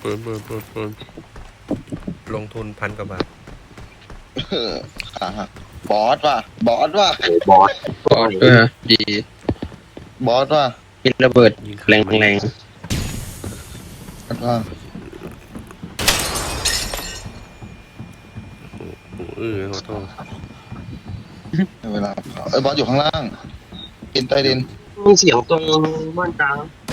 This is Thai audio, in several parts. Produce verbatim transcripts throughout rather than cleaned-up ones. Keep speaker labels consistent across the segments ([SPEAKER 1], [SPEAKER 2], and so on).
[SPEAKER 1] ปืนปืนปืนปืนลงทุนพันกว่าบาท
[SPEAKER 2] ขาหักบอสว่ะบอสว่ะ
[SPEAKER 3] บอสบอสเออดี
[SPEAKER 2] บอสว่ะ
[SPEAKER 3] มีระเบิดแรงแรง
[SPEAKER 2] บอสว่ะ
[SPEAKER 1] โอ้เออขอโทษ
[SPEAKER 2] เวลาเอ้ยบอสอยู่ข้างล่างกินใต้ดิน
[SPEAKER 3] มีเสียงตรงบ้านกลาง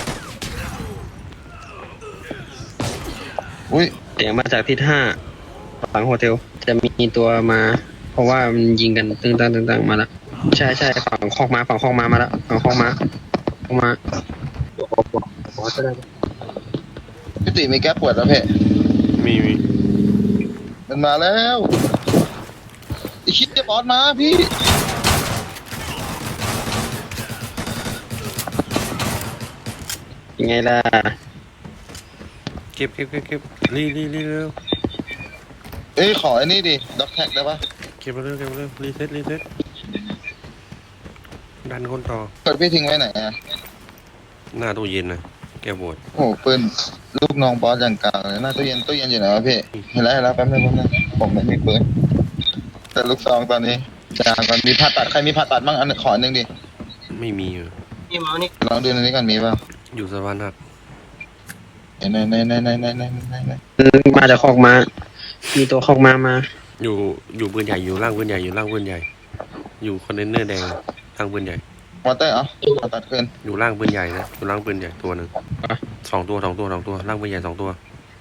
[SPEAKER 2] อุ้ย
[SPEAKER 3] เสียงมาจากทิศห้าฝั่งโฮเทลจะมีตัวมา เพราะว่ามันยิงกันตึงตังตึงตังมาแล้วใช่ใช่ฝั่งคอกมาฝั่งคอกมามาแล้วฝั่งคอกมาคอกมาบอสก็ได้
[SPEAKER 2] พี่ติมีแก้ปวดแล้วเพ่
[SPEAKER 1] มีมี
[SPEAKER 2] มันมาแล้วไอคิดจะบอสมาพี่
[SPEAKER 3] ยังไงล่ะ
[SPEAKER 1] เก็บเก็บเก็บเก็บรีรีรีเร็ว
[SPEAKER 2] เอ้ยขอไอ้นี่ดิด็อกแท็กได้ปะ
[SPEAKER 1] เก็บมาเร็วเก็บมาเร็วรีเซ็ตรีเซ็ตดันคนต่อ
[SPEAKER 2] เปิดพี่ทิ้งไว้ไหนอ่ะ
[SPEAKER 1] หน้าตู้เย็นนะแกบวช
[SPEAKER 2] โอ้โหปืนลูกน้องบอสอย่างกลางเลยหน้าตู้เย็นตู้เย็นอยู่ไหนวะพี่เห็นแล้วเห็นแล้วแป๊บนึงแป๊บนึงผมไม่มีปืนแต่ลูกซองตอนนี้จางก่อนมีผ่าตัดใครมีผ่าตัดบ้างอันขอหนึ่งดิ
[SPEAKER 1] ไม่มีอยู่
[SPEAKER 3] นี่มานี่
[SPEAKER 2] ลองดูในนี้ก่อนมีป่ะ
[SPEAKER 1] อยู่สะพานหัก
[SPEAKER 2] ไหนไหนไหนไหนไหนไหนไหนไหน
[SPEAKER 3] มาจากคอกมามีตัวคอกมามา
[SPEAKER 1] อยู่อยู่ปืนใหญ่อยู่ล่างปืนใหญ่อยู่ล่างปืนใหญ่ อยู่คอนเทนเนอร์แดงล่างปืนใหญ่
[SPEAKER 2] มอเตอร์เหรอผ่าตัดขึ้น
[SPEAKER 1] อยู่ล่างปืนใหญ่นะอยู่ล่างปืนใหญ่ตัวหนึ่งสองตัวสองตัวสองตัวล่างปืนใหญ่สองตัว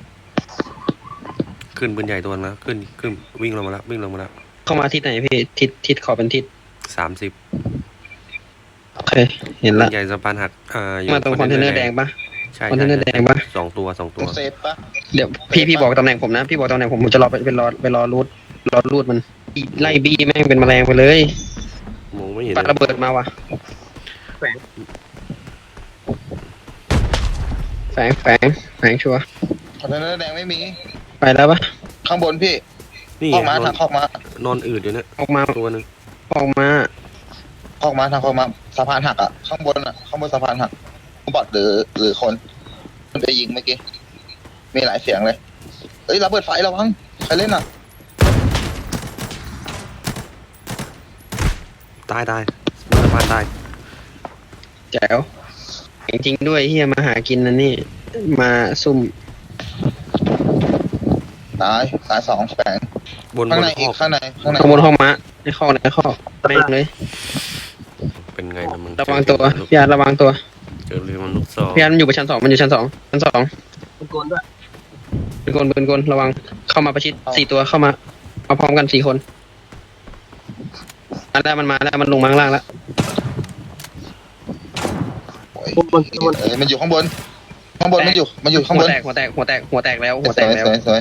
[SPEAKER 1] ขึ้นปืนใหญ่ตัวนะขึ้นขึ้นวิ่งลงมาแล้ววิ่งลงมาแล้ว
[SPEAKER 3] เข้ามาทิศไหนพี่ทิศทิศขอเป็นทิศ
[SPEAKER 1] สามสิบ
[SPEAKER 3] โอเคเห็น
[SPEAKER 1] ปื
[SPEAKER 3] ละ
[SPEAKER 1] นใหญ่สะพานหักอ่าอยู่
[SPEAKER 3] มาตรงคอนเทนเนอร์แดงปะ
[SPEAKER 1] ใช่
[SPEAKER 3] คอนเท
[SPEAKER 1] ใช่
[SPEAKER 3] นเนอร์แดงปะ
[SPEAKER 1] สองตัวสองตัว
[SPEAKER 2] เซฟปะ
[SPEAKER 3] เดี๋ยวพี่พี่บอกตำแหน่งผมนะพี่บอกตำแหน่งผมผมจะรอไปไปรอไปรอรูดรอรูดมันไล่บี้แม่งเป็นแมลงไปเลย
[SPEAKER 1] มองไม่เห็น
[SPEAKER 3] ปาระเบิดมาว่ะแฝงแฝงแฝงแฝงชัวร์
[SPEAKER 2] คอนเทนเนอร์แดงไม่มี
[SPEAKER 3] ไปแล้วปะ
[SPEAKER 2] ข้างบนพี่
[SPEAKER 1] นี่
[SPEAKER 2] คอกมาน
[SPEAKER 1] อน
[SPEAKER 2] ทางคอกมาน
[SPEAKER 1] อนอืดอยู่เนี่ย
[SPEAKER 3] ออกมา
[SPEAKER 1] ตัวหนึ่ง
[SPEAKER 3] ออกมา
[SPEAKER 2] คอกมาทางคอกมาสะพานหักอ่ะข้างบนอ่ะข้างบนสะพานหักบอดหรือหรือคนมันไปยิงเมื่อกี้มีหลายเสียงเลยเอ้ยระเบิดไฟระวังใครเล่นอ่ะ
[SPEAKER 1] ตายตายสะพานตาย
[SPEAKER 3] แจ๋วจริงๆด้วยเฮียมาหากินนะนี่มาซุ่ม
[SPEAKER 2] ตายตายสองแฝง
[SPEAKER 1] บนบ
[SPEAKER 2] ข้าง
[SPEAKER 1] น
[SPEAKER 2] ใน
[SPEAKER 1] ค
[SPEAKER 2] อีก
[SPEAKER 1] อก
[SPEAKER 2] ข้างในข้างใน
[SPEAKER 3] ขโมยห้องม้าในข้อในข้อแม่งเลย
[SPEAKER 1] เป็นไงนะมึง
[SPEAKER 3] ระวังตัวพี่อาร์ตระวังตัว
[SPEAKER 1] เจอเรือมันลูกซอง
[SPEAKER 3] พี่อาร์ตมันอยู่บนชั้นสองมันอยู่ชั้นสองชั้นสองเป็นกลด้วยเป็นกลเป็นกลระวังเข้ามาประชิดสี่ตัวเข้ามาเอาพร้อมกันสี่คนมาแล้วมันมาแล้วมันลงมาข้างล่างแล้ว
[SPEAKER 2] โอ้ยเอ้ยมันอยู่ข้างบนข้างบนมันอยู่มันอยู่ข้าง
[SPEAKER 3] หั
[SPEAKER 2] บ
[SPEAKER 3] วน แตกหัวแตกหัวแตกหัวแตกแล้วหัว
[SPEAKER 2] ส
[SPEAKER 3] แต
[SPEAKER 2] ว
[SPEAKER 3] ก
[SPEAKER 2] ย
[SPEAKER 3] แล้ว
[SPEAKER 2] สวยสวย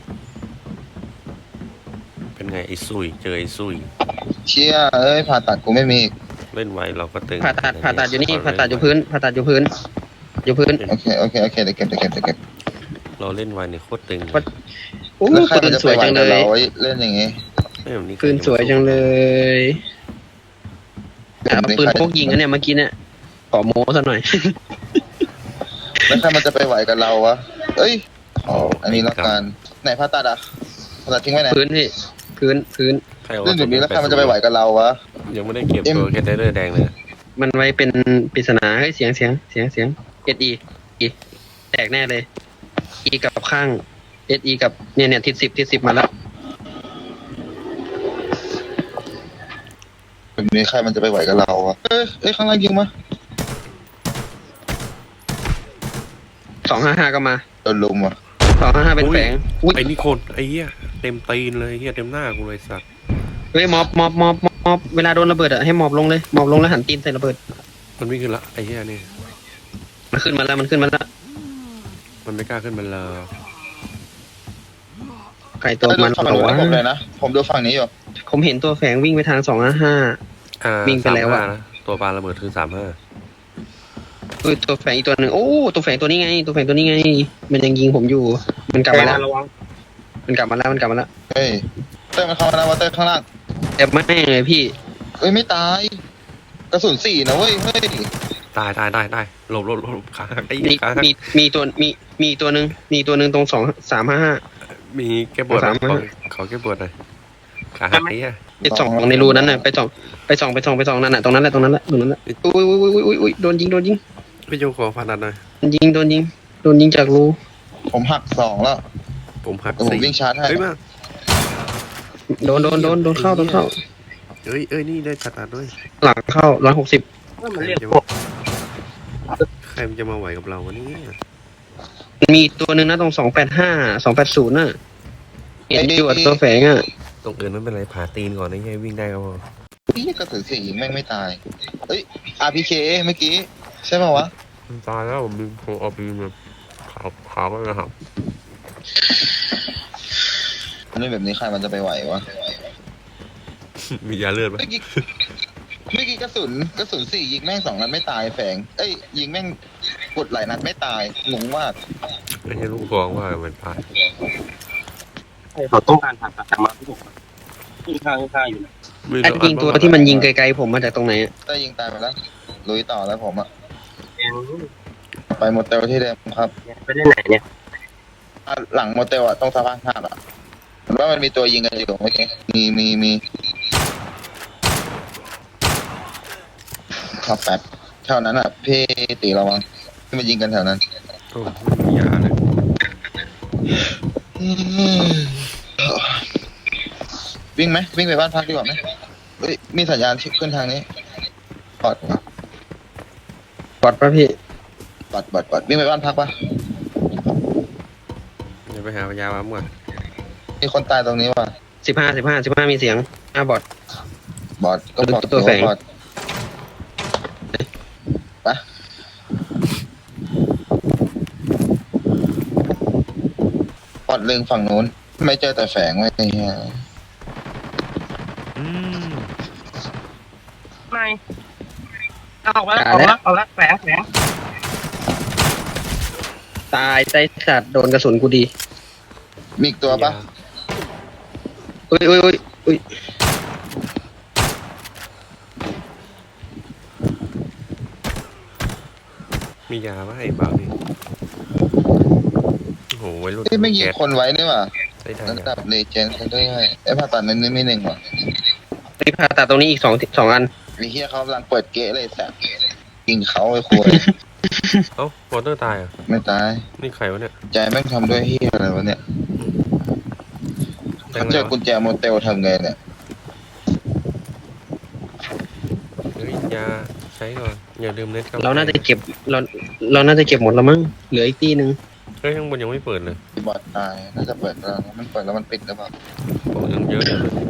[SPEAKER 1] เป็นไงไอ้ซุยเจอไอ้ซุย
[SPEAKER 2] เชี่ยเอ้ยผ่าตัดกูไม่มี
[SPEAKER 1] เล่นไวเราก็ตึง
[SPEAKER 3] ผ่าตัดผ่าตัดอยู่นี่ผ่าตัดอยู่พื้นผ่าตัดอยู่พื้น อยู่พื้น
[SPEAKER 2] โอเคโอเคโอเคเดี๋ยวเก็บเดี๋ยวเก็บเดี๋ยวเก็บ
[SPEAKER 1] เราเล่นไวเนี่ยโคตรตึง
[SPEAKER 3] วัด โอ้
[SPEAKER 2] แล้วใคร
[SPEAKER 3] ปื
[SPEAKER 2] มัน
[SPEAKER 3] น
[SPEAKER 2] จะ
[SPEAKER 3] ส
[SPEAKER 2] ไป
[SPEAKER 3] วย
[SPEAKER 2] ไหว
[SPEAKER 3] จังเล
[SPEAKER 2] กับ
[SPEAKER 3] ย
[SPEAKER 2] เราไว้เล่นอย่างงี้
[SPEAKER 1] ไม่แบบนี้
[SPEAKER 3] ปืนสวยจังเลยเอาปืนพกยิงอันเนี่ยเมื่อกี้เนี่ยขอโม้ซะหน่อย
[SPEAKER 2] แล้วใครมันจะไปไหวกับเราวะเอ้ยขออันนี้ละกันไหนผ่าตัดอ่ะผ่าตัดทิ้งไว้ไหน
[SPEAKER 3] พื้นพี่พื้นพื้น
[SPEAKER 1] ใครว่า
[SPEAKER 2] เรื่องแบบนี้แล้วใครมันจะไปไหวกับเราวะ
[SPEAKER 1] ยังไม่ได้เก็บตัวแคทเดอร์แดงเลย
[SPEAKER 3] มันไว้เป็นปริศนาเฮ้ยเสียงเสียงเสียงเสียงเอสอีอีแตกแน่เลยอีกับข้างเอสอีกับเนี่ยเนี่ยทิศสิบทิศสิบมาแล้ว
[SPEAKER 2] แบบนี้ใครมันจะไปไหวกับเราวะเอ้ยเอ้ยข้างล่างยิงมา
[SPEAKER 3] สองห้าห้าก็มา
[SPEAKER 2] โดนลุมว่ะ
[SPEAKER 3] สองห้าห้าเป็นแฝงอุ้ย
[SPEAKER 1] ไอ้นี่คนไอ้เหี้ยเต็มตีนเลยเหี้ยเต็มหน้ากูเลยสัตว์
[SPEAKER 3] เฮ้ยมอบมอบมอบมอบมอบเวลาโดนระเบิดอะให้มอบลงเลยมอบลงแล้วหันตีนใส่ระเบิด
[SPEAKER 1] มันวิ่งขึ้นละไอ้เหี้ยนี่
[SPEAKER 3] มันขึ้นมาแล้วมันขึ้นมาแล้ว
[SPEAKER 1] มันไม่กล้าขึ้นมาเลย
[SPEAKER 3] ไก่ตัวมัน
[SPEAKER 2] ฝั่ง
[SPEAKER 3] เหรอ
[SPEAKER 2] นู้น
[SPEAKER 3] วะ
[SPEAKER 2] ให้ผมเลยนะผมดูฝั่งนี้อยู่
[SPEAKER 3] ผมเห็นตัวแฝงวิ่งไปทางสองห้าห้า
[SPEAKER 1] อ่า
[SPEAKER 3] วิ่งไปแล้วอะ
[SPEAKER 1] สามห้านะตัวปลาระเบิดคือสามห้า
[SPEAKER 3] เฮ้ยตัวแฝงอีกตัวหนึ่งโอ้ตัวแฝงตัวนี้ไง ตัวแฝงตัวนี้ไง มันยังยิงผมอยู่ มันกลับมาแล้วมันกลับมาแล้วมันกลับมาแล้ว
[SPEAKER 2] เฮ้ยเต้ยมันเข้ามาแล้ววะเต้ยข้างล่าง
[SPEAKER 3] แต่ไม่เลยพี่
[SPEAKER 2] เอ้ยไม่ตาย กระสุนสี่นะเว้ยเฮ้ย
[SPEAKER 1] ตายตายตายตายหลบหลบหลบขาหักไอ้
[SPEAKER 3] มี
[SPEAKER 1] ขาหัก
[SPEAKER 3] มีมีตัวมีมีตัวหนึ่งมีตัวหนึ่งตรงสองสามห้าห้า
[SPEAKER 1] มีแก้ปวด
[SPEAKER 3] สาม
[SPEAKER 1] ขอขอแก้ปวดหน่อยขาหักไอ้เหี้ย
[SPEAKER 3] ไปส่องในรูนั้นน่ะไปส่องไปส่องไปส่องไปส่องนั่นน่ะตรงนั้นแหละตรงนั้นแหละตรงนั้นแหละอุ้ยอุ้ยอุ้ยอุ้ยอุ้ยโดนยิงโดนยิง
[SPEAKER 1] พี่โจขอฟันดันหน่อย
[SPEAKER 3] โดนยิงโดนยิงโดนยิงจากรู
[SPEAKER 2] ผมหักสองแล้ว
[SPEAKER 1] ผมหัก
[SPEAKER 2] เดี๋ยวผม
[SPEAKER 1] สี่
[SPEAKER 2] วิ่งชาร์จให้
[SPEAKER 1] เฮ้ยมา
[SPEAKER 3] โดนโดนโดนโดนเข้าโดนเข้า
[SPEAKER 1] เอ้ยเอ้ยนี่ได้ผ่าตัดด้วย
[SPEAKER 3] หลังเข้าร้อยหกสิบ
[SPEAKER 1] ใครมันจะมาใครมันจะมาไหวกับเราวะเนี่ย
[SPEAKER 3] มีตัวหนึ่งนะตรงสองแปดห้าสองแปดศูนย์น่ะเห็นอยู่อะตัวแฝงอ่ะ
[SPEAKER 1] ตรงอื่นไม่เป็นไรผ่าตีนก่อนนะให้วิ่งได้ก็พอ
[SPEAKER 2] พี่กระสือสี่ยิงแม่งไม่ตายเฮ้ย อาร์ พี เค เมื่อกี้ใช่ป่าวะ
[SPEAKER 1] มันตายแล้วผมดึงโคเอาบีมาขาวขาวไปนะครับ
[SPEAKER 2] มันเล่นแบบนี้ใครมันจะไปไหววะ
[SPEAKER 1] มียาเลือดปะ
[SPEAKER 2] เมื่อกี้เมื่อกี้กระสุนกระสุนสี่ยิงแม่งสองนัดไม่ตายแฝงเอ้ยยิงแม่งกดหลายนัดไม่ตายงงมาก
[SPEAKER 1] ไม่ใช่ลูกฟองว่ามันตาย
[SPEAKER 4] เขาต้องการผ่าตัดมาที่ผมข้างข้างอยู่นะ
[SPEAKER 1] ไม่
[SPEAKER 3] แอดยิงตัวที่มันยิงไกลๆผมมาจากตรงไหนอะ
[SPEAKER 2] ได้ยิงตายไปแล้วลุยต่อแล้วผมอะ
[SPEAKER 4] แอน
[SPEAKER 2] ไปโมเตลที่เดิมครับ
[SPEAKER 4] ไปได้ไหนเนี่ย
[SPEAKER 2] อ่ะหลังโมเตลอะต้องสะพานหักอะเห็นว่ามันมีตัวยิงกันอยู่เมื่อกี้มีมีมีขับแป๊บแถวนั้นอะพี่ตีระวังที่มันยิงกันแถวนั้น
[SPEAKER 1] โอ้ไม่มียาเลย
[SPEAKER 2] วิ่งไหมวิ่งไปบ้านพักดีกว่าไหมเฮ้ยมีสัญญาณที่ขึ้นทางนี้ปอด
[SPEAKER 3] ปลอดป่ะพี่
[SPEAKER 2] ปอดปอดปอดวิ่งไปบ้านพักปะ
[SPEAKER 1] เดี๋ยวไปหายาบ้าก่อน
[SPEAKER 2] มีคนตายตรงนี้ว่ะ
[SPEAKER 3] สิบห้าสิบห้าสิบห้ามีเสียงห้าบอท
[SPEAKER 2] บอดก็บอก
[SPEAKER 3] ตัวแฝง
[SPEAKER 2] บอดปะปอดลึงฝั่งนู้นไม่เจอแต่แฝงไว้ไอ้เหี้ย
[SPEAKER 1] อืม
[SPEAKER 4] ไม่เอาออกมาแล้วออกแล้วออกแล้วแฝงแฝง
[SPEAKER 3] ตายใจสัตว์โดนกระสุนกูดี
[SPEAKER 2] มีอีกตัวปะ
[SPEAKER 3] อุ้ยอุ้ยอุ้ยอุ้ย
[SPEAKER 1] มียาปะไอ้บ้านี่โอ้โหวัยรุ่น
[SPEAKER 2] ที่ไม่ยิง
[SPEAKER 1] แก๊ส
[SPEAKER 2] คนไว้นี่ว่ะ
[SPEAKER 1] ได้ได้
[SPEAKER 2] ระดับเลเจนด์เขาด้วยไอ้ผ่าตัดนั้นนี่ไม่หนึ่งว่ะ
[SPEAKER 3] มีผ่าตัดตรงนี้อีกสองสองอัน
[SPEAKER 2] ไอ้เฮียเขากำลังเปิดเกะเลยแสบยิงเขาไอ้ควร
[SPEAKER 1] เอ้าวอเตอร์ตายอ่ะ
[SPEAKER 2] ไม่ตาย
[SPEAKER 1] นี่ใครวะเนี่ย
[SPEAKER 2] ใจแม่งทำด้วยเฮียอะไรวะเนี่ย
[SPEAKER 1] แดง
[SPEAKER 2] เขา
[SPEAKER 1] เล
[SPEAKER 2] เจ
[SPEAKER 1] ย
[SPEAKER 2] อกุญแจโมเตลทำไงเนี่ย
[SPEAKER 1] เฮ้ยยาใช้ก่อนอย่าลืมเน็ตครับ
[SPEAKER 3] เราน่าจะเก็บเราเราน่าจะเก็บหมดแล้วมั้งเหลืออีกที่หนึ่ง
[SPEAKER 1] เฮ้ยข้างบนยังไม่เปิดเลย
[SPEAKER 2] บอดตายน่าจะเปิดแล้วมันเปิดแล้วมันปิดหรือเปล่า
[SPEAKER 1] ของยังเยอะเลย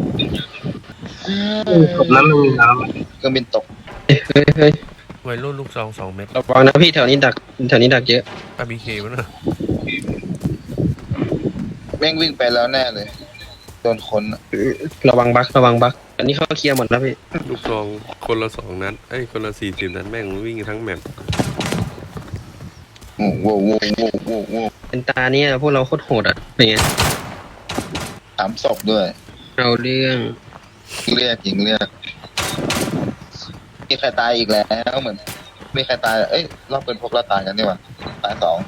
[SPEAKER 4] ศพนั้นมันมีน้
[SPEAKER 2] เครื่องบินตก
[SPEAKER 3] เฮ้ยเฮ้ยเฮ้ย
[SPEAKER 1] วัยรุ่นลูกซองสองเม็ด
[SPEAKER 3] ระวังนะพี่แถวนี้ดักแถวนี้ดักเยอะ
[SPEAKER 1] อาร์บีเควะน่ะ
[SPEAKER 2] แม่งวิ่งไปแล้วแน่เลยโดนคนอะ
[SPEAKER 3] ระวังบักระวังบักอันนี้เขาเคลียร์หมดแล้วพี่
[SPEAKER 1] ลูกซองคนละสองนัดเอ้ยคนละสี่สิบนัดแม่งวิ่งทั้งแมป
[SPEAKER 2] โอ้โหโว้โว้โว้โว้
[SPEAKER 3] เป็นตาเนี่ยพวกเราโคตรโหดอ่ะเป็นไง
[SPEAKER 2] สามศพด้วย
[SPEAKER 3] เอาเรื่อง
[SPEAKER 2] เรียกหญิงเรียกมีใครตายอีกแล้วเหมือนมีใครตายเอ้ยรอบเป็นพวกเราตายกันนี่หว่าตายสอง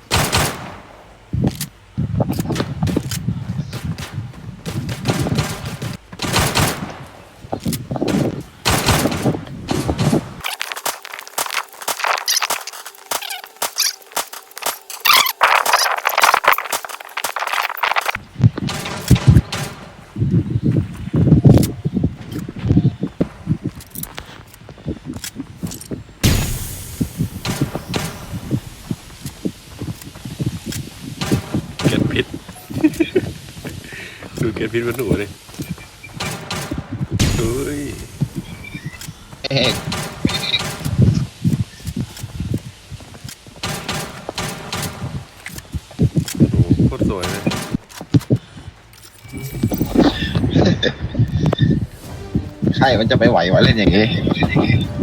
[SPEAKER 1] เกล็ดพิษ ดูเกล็ดพิษมันหนูเลยเฮ้ย
[SPEAKER 2] เฮ้ย
[SPEAKER 1] โอ้โหโคตรสวยเลย
[SPEAKER 2] ใครมันจะไปไหววะเล่นอย่างงี้